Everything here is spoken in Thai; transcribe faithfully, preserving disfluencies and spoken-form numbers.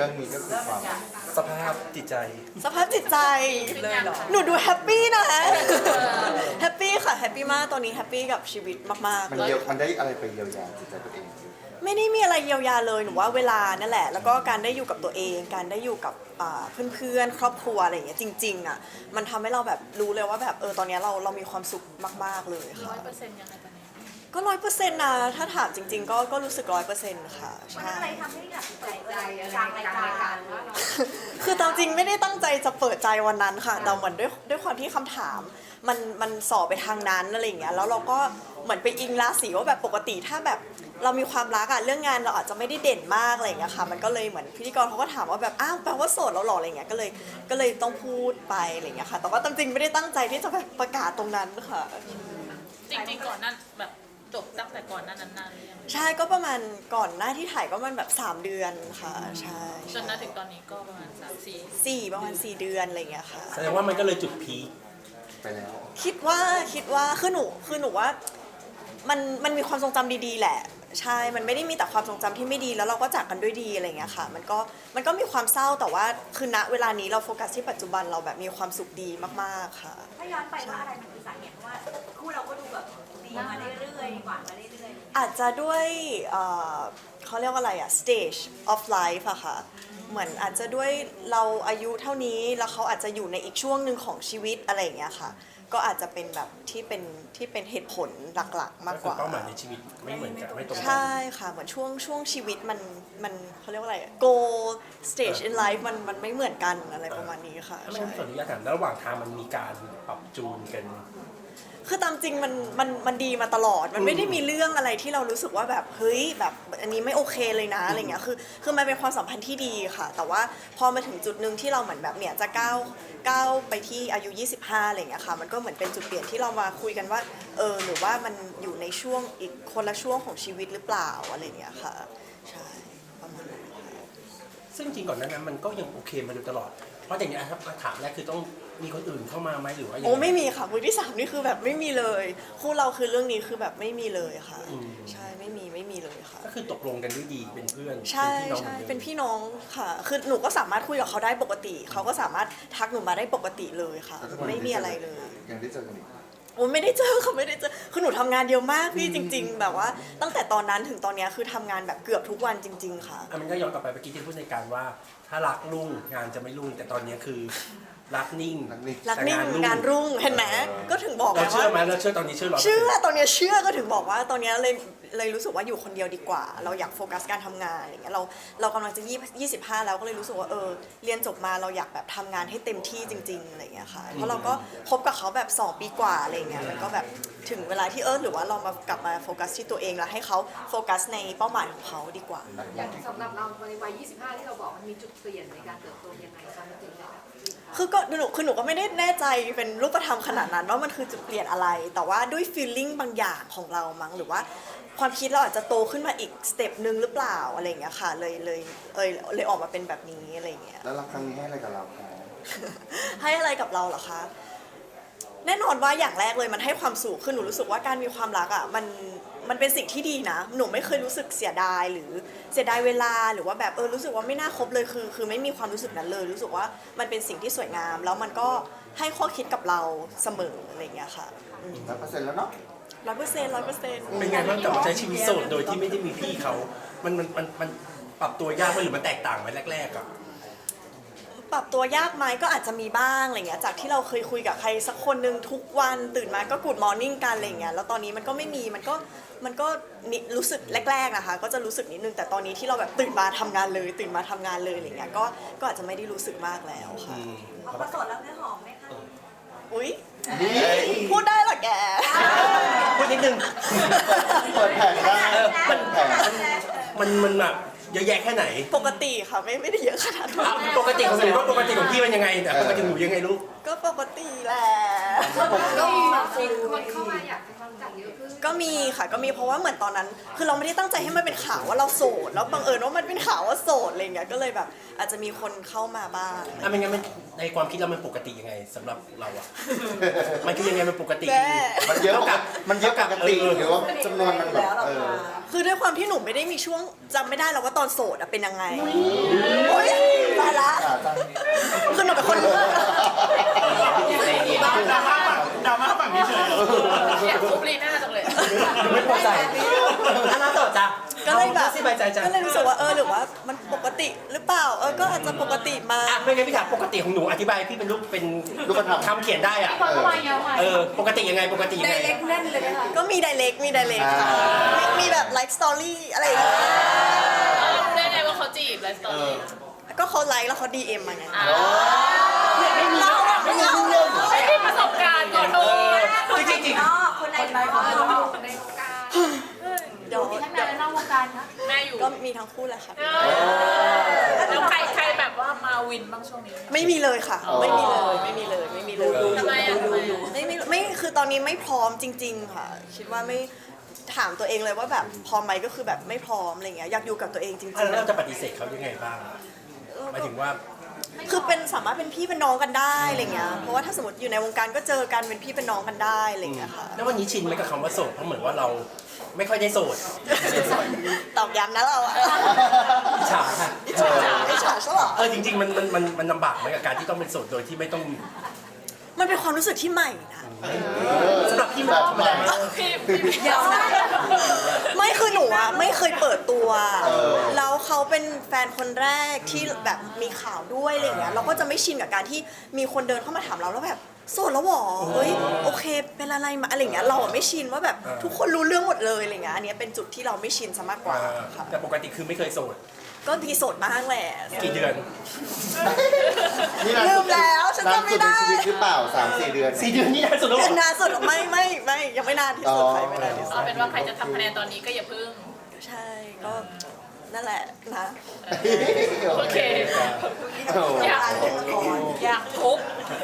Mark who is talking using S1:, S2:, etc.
S1: รื่องนี้ก็คือความ
S2: สภาพจิตใจ
S3: สภาพจิตใจ
S4: เลยเหรอ
S3: หนูดูแฮปปี้นะแฮปปี้ค่ะแฮปปี้มากตอนนี้แฮปปี้กับชีวิตมาก
S1: มันเยียวมันได้อะไรไปเยียวยาจิตใจตัวเอง
S3: ๆ ไม่ได้มีอะไรเยียวยาเลยหนูว่าเวลานั่นแหละ แล้วก็การได้อยู่กับตัวเอง การได้อยู่กับอ่าเพื่อนๆครอบครัวอะไรอย่างเงี้ยจริงๆอ่ะมันทำให้เราแบบรู้เลยว่าแบบเออตอนนี้เราเรามีความสุขมากๆเลย
S4: ร้
S3: ค่ะ
S4: อยเปอร์เซ็นต์ยังไงตอนนี้
S3: ก็ร้อยเปอร์เซ็นต์นะถ้าถามจริง ๆ ก็ก็รู้สึกร้อยเปอร์เซ็นต์ค่ะ
S5: มัน
S3: ใช่
S5: อะไรทำให้อยากใจใจอะไรกลางรายการว่าเรา
S3: คือตามจริงไม่ได้ตั้งใจจะเปิดใจวันนั้นค่ะแต่เหมือนด้วยด้วยความที่คำถามมันมันสอบไปทางนั้นอะไรอย่างเงี้ยแล้วเราก็เหมือนไปอิงราศีว่าแบบปกติถ้าแบบเรามีความรักอะเรื่องงานเราอาจจะไม่ได้เด่นมากอะไรอย่างเงี้ยค่ะมันก็เลยเหมือนพิธีกรเขาก็ถามว่าแบบอ้าวแปลว่าโสดแล้วหรออะไรเงี้ยก็เลยก็เลยต้องพูดไปอะไรอย่างเงี้ยค่ะแต่ว่าตามจริงไม่ได้ตั้งใจที่จะแบบประกาศตรงนั้นค่ะ
S4: จริงๆก่อนนั้นแบบจบตั้งแต่ก่อนหนั้นนานๆหรือยัง
S3: ใช่ก็ประมาณก่อนหน้าที่ถ่ายก็มันแบบสามเดือนค่ะใช่
S4: จนถึงตอนนี้ก็ประมาณสามสี่
S3: สี่ประมาณสี่เดือนอะไรอย่างเงี้ยค่ะ
S2: แสดงว่ามันก็เลยจุดพีค
S1: ไปแล้ว
S3: คิดว่าคิดว่าคือหนูคือหนูว่ามันมันมีความทรงจำดีๆแหละใช่มันไม่ได้มีแต่ความทรงจำที่ไม่ดีแล้วเราก็จากกันด้วยดีอะไรอย่างเงี้ยค่ะมันก็มันก็มีความเศร้าแต่ว่าคือณเวลานี้เราโฟกัสที่ปัจจุบันเราแบบมีความสุขดีมากๆค่ะ
S5: ถ้าย้อนไปว่าอะไรมันคือสาเหตุเพราะว่าคู่เราก็ดูแบบดีมาเรื่อยๆหวานมาเรื่อยๆ
S3: อาจจะด้วยเอ่อเขาเรียกว่าอะไรอะ stage of life อะค่ะเหมือนอาจจะด้วยเราอายุเท่านี้แล้วเขาอาจจะอยู่ในอีกช่วงหนึ่งของชีวิตอะไรอย่างเงี้ยค่ะก็อาจจะเป็นแบบที่เป็นที่เป็นเหตุผลหลักๆ มาก
S2: ก็
S3: ก
S2: คือ
S3: ว่า
S2: เป้าหมายในชีวิตไม่เหมือนกันไม่ตรงกั
S3: ใช่ค่ะเหมือนช่วงช่วงชีวิตมันมันเขาเรียกว่าอะไร goal stage in life มันมันไม่เหมือนกันอะไรประมาณนี้ค่ะ
S2: ถ้าไม่
S3: ใช่
S2: งั้นขออนุญาตถามระหว่างทางมันมีการปรับจูนกัน
S3: คือตามจริงมันมันมันดีมาตลอด มันไม่ได้มีเรื่องอะไรที่เรารู้สึกว่าแบบเฮ้ยแบบอันนี้ไม่โอเคเลยนะอะไรเงี้ยคือคือมันเป็นความสัมพันธ์ที่ดีค่ะ แต่ว่าพอมาถึงจุดหนึ่งที่เราเหมือนแบบเนี่ยจะก้าวก้าวไปที่อายุยี่สิบห้าอะไรเงี้ยค่ะมันก็เหมือนเป็นจุดเปลี่ยนที่เรามาคุยกันว่าเออหรือว่ามันอยู่ในช่วงอีกคนละช่วงของชีวิตหรือเปล่าอะไรเงี้ยค่ะใช่ประมาณนั้นค่ะ
S2: ซึ่งจริงก่อนหนานั้นมันก็ยังโอเคมาโดยตลอด เพราะอย่างนี้ยครับถามแรกคือต้องมีคนอื่นเข้ามาไหมหรือว่ายัง
S3: โอ้
S2: ง
S3: ไม่มีค่ะมือที่สามนี่คือแบบไม่มีเลยคู่เราคือเรื่องนี้คือแบบไม่มีเลยค่ะ
S2: อืม
S3: ใช่ไม่มีไม่มีเลยค่ะ
S2: ก็คือตกลงกันด้วยดีเป็นเพื่อน
S3: ใช่
S2: เป็นพี่น้อง
S3: ใช่
S2: หมือดิม
S3: เป็นพี่น้องค่ะ คือหนูก็สามารถคุยกับเขาได้ปกติ เขาก็สามารถทักหนูมาได้ปกติเลยค่ะ
S1: แล้วทุกวันนี้
S3: ไม่มีอะไรเลย
S1: ยังได้เจอกันอีก
S3: โอ้ไม่ได้เจอค่ะไม่ได้เจอคือหนูทำงานเยอะมากพี่จริง ๆ แบบว่า ตั้งแต่ตอนนั้นถึงตอนเนี้ยคือทำงานแบบเกือบทุกวันจริง ๆ ค่ะ
S2: อ่ะมันก็ย้อนกลับไปเมื่อกี้ที่พูดในการว่า ถ้ารักรุ่งงานจะไม่รุ่งแต่ตอนนี้คือรักนิ่ง
S1: รักนิ่ง
S3: รักนิ่ง
S2: แต่
S3: งานรุ่งเห็นไหมก็ถึงบอก
S2: เรา
S3: ไง
S2: เชื่อไหม
S3: ว่า
S2: เราเชื่อตอนนี้เชื่อร้อย
S3: เชื่อตอนเนี้ยเชื่อก็ถึงบอกว่าตอนเนี้ยเลยเลยรู้สึกว่าอยู่คนเดียวดีกว่า เราอยากโฟกัสการทำงานอย่างเงี้ยเราเรากำลังจะยี่ยี่สิบห้าแล้วก็เลยรู้สึกว่าเออเรียนจบมาเราอยากแบบทำงานให้เต็มที่จริงๆอะไรอย่างเงี้ยค่ะเพราะเราก็คบกับเขาแบบสองปีกว่าอะไรอย่างเงี้ยมันก็แบบถึงเวลาที่เออหรือว่าเรามากลับมาโฟกัสที่ตัวเองแล้วให้เขาโฟกัสในเป้าหมายของเขาดีกว่า
S6: อย่างสำหรับเราในวัย ยี่สิบห้า ที่เราบอกมันมีจุดเปลี่ยนในการเติบโตยังไงคะมันถึงได้แบบ
S3: คือก็หนูคือหนูก็ไม่ได้แน่ใจเป็นรูปธรรมขนาดนั้นว่ามันคือจุดเปลี่ยนอะไร แต่ว่าด้วย feeling บางอย่างของเรามั้งหรือว่าความคิดเราอาจจะโตขึ้นมาอีกสเต็ปหนึ่งหรือเปล่าอะไรอย่างเงี้ยค่ะเลยเลยเอยเลยออกมาเป็นแบบนี้อะไรอย่างเงี้ย
S1: แล้วรักครั้งนี้ให้อะไรกับเราคะ
S3: ให้อะไรกับเราเหรอคะ แน่นอนว่าอย่างแรกเลยมันให้ความสุขคือหนูรู้สึกว่าการมีความรักอ่ะมันมันเป็นสิ่งที่ดีนะ หนูไม่เคยรู้สึกเสียดายหรือเสียดายเวลาหรือว่าแบบเออรู้สึกว่าไม่น่าคบเลยคือ คือไม่มีความรู้สึกนั้นเลย รู้สึกว่ามันเป็นสิ่งที่สวยงาม แล้วมันก็ให้ข้อคิดกับเราเสมออะไรอย่างเงี้ยค่ะ
S1: ร้อยเปอร์เซ็นต์แล้วเนาะ
S3: ร้อยเปอร์เซ็นต์ร้อยเปอร์เซ็นต์
S2: เป็นไงบ้างกับมาใช้ชีวิตโสดโดยที่ไม่ได้มีพี่เขา มันมันมันมันปรับตัวยากไหมหรือมันแตกต่างไหมแรกๆอ่ะ
S3: ปรับตัวยากไหมก็อาจจะมีบ้างอะไรเงี้ยจากที่เราเคยคุยกับใครสักคนหนึ่งทุกวันตื่นมาก็กูดมอร์นิ่งกันอะไรเงี้ยแล้วตอนนี้มันก็ไม่มีมันก็มันก็นิรู้สึกแรกๆนะคะก็จะรู้สึกนิดนึงแต่ตอนนี้ที่เราแบบตื่นมาทำงานเลย ตื่นมาทำงานเลยอะไรเงี้ยก็ก็อาจจะไม่ได้รู้สึกมากแล้วค่ะ
S5: พอประสดแล้วเนื้อหอมไหมคะ
S3: อุ๊ยพูดได้เหรอแก
S2: พูดนิดนึง
S1: เปิดแผงได้
S2: เออมัน
S1: แผง
S2: มันมันแบบเยอะแยะแค่ไหน
S3: ปกติค่ะไม่ไม่ได้เยอะขนาดนั้น
S2: อ่ะปกติของหนูว่าปกติของพี่มันยังไงแต่ปกติของหนูยังไงลูก
S3: ก็ปกติแหละ
S6: ก็มีคนเข้ามาอยากให้ความรู้จักเยอะขึ้น
S3: ก็มีค่ะก็มีเพราะว่าเหมือนตอนนั้น คือเราไม่ได้ตั้งใจให้มันเป็นข่าวว่าเราโสดแล้วบังเอิญว่ามันเป็นข่าวว่าโสดอะไรเงี้ยก็เลยแบบอาจจะมีคนเข้ามาบ้าง
S2: อ่ะไม่งั้นมันในความคิดเรามันปกติยังไงสำหรับเราอ่ะ มันคือยังไงมันปกติ
S3: แม่
S1: มันเยอะกับมันเยอะปกติ
S2: เออ
S1: หรือว่าจำนวนมันแบบเออ
S3: คือด้วยความที่หนูไม่ได้มีช่วงจำไม่ได้แล้วว่าตอนอนโสดอะเป็นยังไงโอ๊ยตายละ
S1: อ่าจ้ะ
S3: คือหนูเป็นคนเลือก
S2: ดราม่าดราม่าฝั่งนี้เฉย
S4: อยากทุบลีน่าจังเลย
S2: ไม่พอใจอันนั้นต่อจ้ะ
S3: ก็เลยแบบ
S2: สบายใจจ้ะ
S3: ก็เลยรู้สึกว่าเออหรือว่ามันปกติหรือเปล่าเออก็อาจจะปกติมา
S2: อ่ะไม่งั้นพี่ถามปกติของหนูอธิบายพี่เป็นรูปเป็น
S1: รูปธรรม
S2: คำเขียนได้อ่ะ
S6: คนเข้ามาเยอะไหม
S2: เออปกติยังไงปกติยัง
S6: ได
S2: ไง
S6: เล็กแน่นเลยไหมคะ
S3: ก็มีไดเ c กมีไดเ c กค่ะมีมีแบบไลฟ์สตอรี่อะไรอย่างเงี้ย
S4: เรารู้ได้ไงว่าเขาจีบไลฟ์สไตล์
S3: ก็เขาไลค์แล้วเขาดีเอ็มมาไง
S2: ไม่มีไม่มีเรื่อง
S4: ไม่มีประสบการณ์ก่อนโทษ
S2: จริงจริง
S5: นอกคนในคนนอก
S6: ในวงการ
S3: เดี๋ยว
S6: ทั้งในและนอกวงการคะ
S4: แม่อยู่
S3: ก็มีทั้งคู่แหละค่ะ
S4: แล้วใครใครแบบว่ามาวินบ้างช่วงนี้
S3: ไม่มีเลยค่ะ ไม่มีเลยไม่มีเลยไม่มีเลย
S4: ทำไมอ่ะทำไมอ่ะ
S3: ไม่ไม่ไม่คือตอนนี้ไม่พร้อมจริง ๆ ค่ะ คิดว่าไม่ถามตัวเองเลยว่าแบบพร้อมไหมก็คือแบบไม่พร้อมอะไรเงี้ยอยากอยู่กับตัวเองจริง
S2: อ่ะแล้ว
S3: ๆ
S2: เราจะปฏิเสธเขายังไงบ้างหมายถึงว่า
S3: คือเป็นสามารถเป็นพี่เป็นน้องกันได้อะไรเงี้ยเพราะว่าถ้าสมมติอยู่ในวงการก็เจอกันเป็นพี่เป็นน้องกันได้อะไรเงี้ยค่ะ
S2: แล้ววันนี้ชินไหมกับคำว่าโสดเพราะเหมือนว่าเราไม่ค่อยได้โสด
S3: ตอบย้ำนะเราอะ
S2: อิจฉาค่ะ
S3: อิจฉาอิจฉาใช่หรอ
S2: เออจริงๆมันมันมันมันลำบากไหมกับการที่ต้องเป็นโสดโดยที่ไม่ต้อง
S3: มันเป็นความรู้สึกที่ใหม่นะ
S2: สำหรับพี่มันธรรมดา
S4: พี่พี่พี่
S3: เดี๋ยวนะไม่คือหนูอะไม่เคยเปิดตัว แล้วเขาเป็นแฟนคนแรกที่แบบมีข่าวด้วยอะไรอย่างเงี้ยเราก็จะไม่ชินกับการที่มีคนเดินเข้ามาถามเราแล้วแบบโสดแล้วหรอเฮ้ยโอเคเป็นอะไรมาอะไรอย่างเงี้ยเราอะไม่ชินว่าแบบทุกคนรู้เรื่องหมดเลยอะไรเงี้ยอันเนี้ยเป็นจุดที่เราไม่ชินซะมากกว่าค่ะ
S2: แต่ปกติคือไม่เคยโสด
S3: ก็มีโสดบ้างแหละ
S2: กี่เดือน
S1: นี่นาน
S3: ลื
S1: สุ
S3: ม
S1: ด
S3: แล้วฉัน
S1: นาน
S3: จำ
S1: สุ
S3: ไม่
S1: ดใน
S3: ได้
S1: ชีวิตหรือเปล่าสามสี่เดือน
S2: สี่เดือนนี่นานสุดแล้วเหร
S3: เป็
S2: อน
S3: นานสุดไม่ไม่ไม่ยังไม่นานที่สุด
S1: อ๋อ
S3: ใครไม่นานที่สุ
S4: เอา
S3: ด
S4: เป็นว่าใครจะทำคะแนนตอนนี้ก็อย่าพึ่ง
S3: ใช่ก็นั่นแหละนะ
S4: โอเค
S1: โอ้โห
S4: อยากอยากทุบ